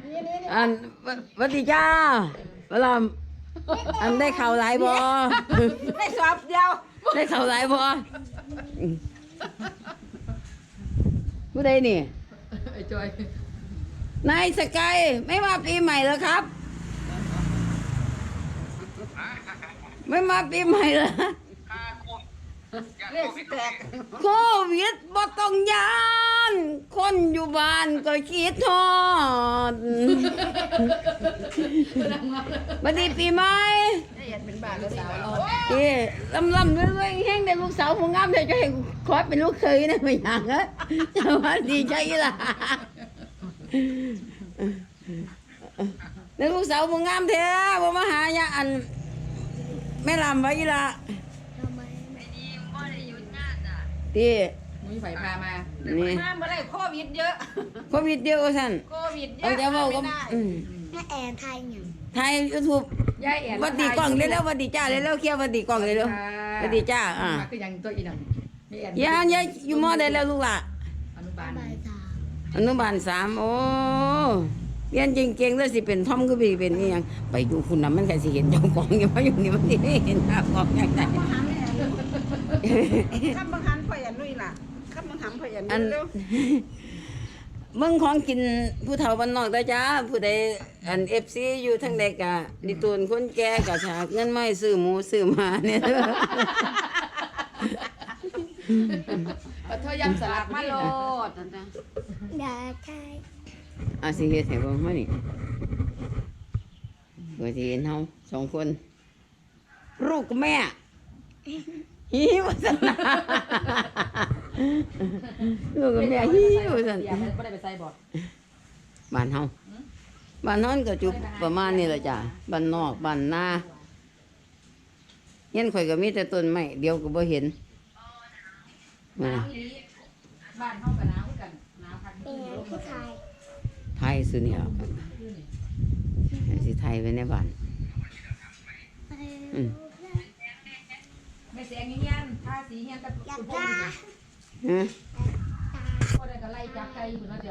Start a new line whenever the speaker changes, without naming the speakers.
อันสวัสดีจ้าเวลาอันได้ข่าวหลายบ่
ได้สอบเดียว
ได้ข่าวหลายบ่ผู้ใดนี่
ไอ้จอย
นายสกายไม่มาปีใหม่เหรอครับ ไม่มาปีใหม่เหรอ
เลขสิแตก
โควิดบ่ต้องยานคนอยู่บ้านก็คิดทอดบัดนี้ปีใหม่
ได้ยันเป็นบาทแล้วสาวเรา
เอ้ลำด้วยแห้งได้ลูกสาวผู้งามเดี๋ยวจะให้ขอเป็นลูกเคยนะไม่อยากนะจะว่าดีใจล่ะแล้วลูกสาวผู้งามแท้บ่มาหาญาอันแม่ลำไว้ล่ะตี
มีไฟพามา
นี่
มาเมื่อไรโควิดเยอะ
โควิดเดียวสั่น
โควิดเย
เอา
อะ
จะเว้าก็
แม่แอนไทยหยัง
ไทย YouTube
ยายแอน
วัดดีกล้องเร็วๆวัดดีจ้าเร็วๆเคลียร์วัดดีกล้องเร็วๆวัดดีจ้าอ่า
มาคือยังตัวอีนั่นมีแอน
อย่าอยู่มอได้แล้วลูกล่ะ
อนุบาล
บ่ายสาม
อนุบาล3โอ้เรียนเก่งๆแล้วสิเป็นทอมก็ไปเป็นอีหยังไปอยู่คุณน่ะมันก็สิเห็นเจ้าของอยู่เพราะอยู่นี่มันสิเห็นหน้าของอย่างไร
ข้ามบังคันพ่อยันนุ่ยล่ะข้ามบังคันพ่อยัน
อัน
เร็ว
เบิ่งของกินผู้เฒ่าบ้านนอกเด้อจ้าผู้ใดอัน FC อยู่ทางใดก็ดิตูนคนแก่ก็ฉากเงินไม่ซื้อหมูซื้อหมาเนี่ยเด้อ
ปัทเทยำสลัดมาโลดนั่นนะ
ดาไทย
อาสิเฮ็ดให้เบิ่งมานี่เพื่อสิเห็นเฮา2คนลูกกับแม่หิวซั่นนะลูกกับแม่หิวซั่น
เดี๋ยวไม่ได้ไปใส่บอด
บ้านเฮาบ้านเฮาก็จุประมาณนี้ล่ะจ้ะบ้านนอกบ้านนาเห็นข่อยก็มีแต่ต้นไม้เดียวก็บ่เห็น
หนาวอีหลีบ้านเฮากับหนาวคือกันหนาวพัน
เป็น
ธุ์
ไงพี่ไทย
ไทยสุนี่ล่ะสิไทยไว้ในบ้าน อืม
ไม่เสียงเงี้ยนทาสีเงี้ยนกับ
อยาก
พ่อ
ได้
ฮะ
ได้ก็ไล่จับไก่อยู่เนาะ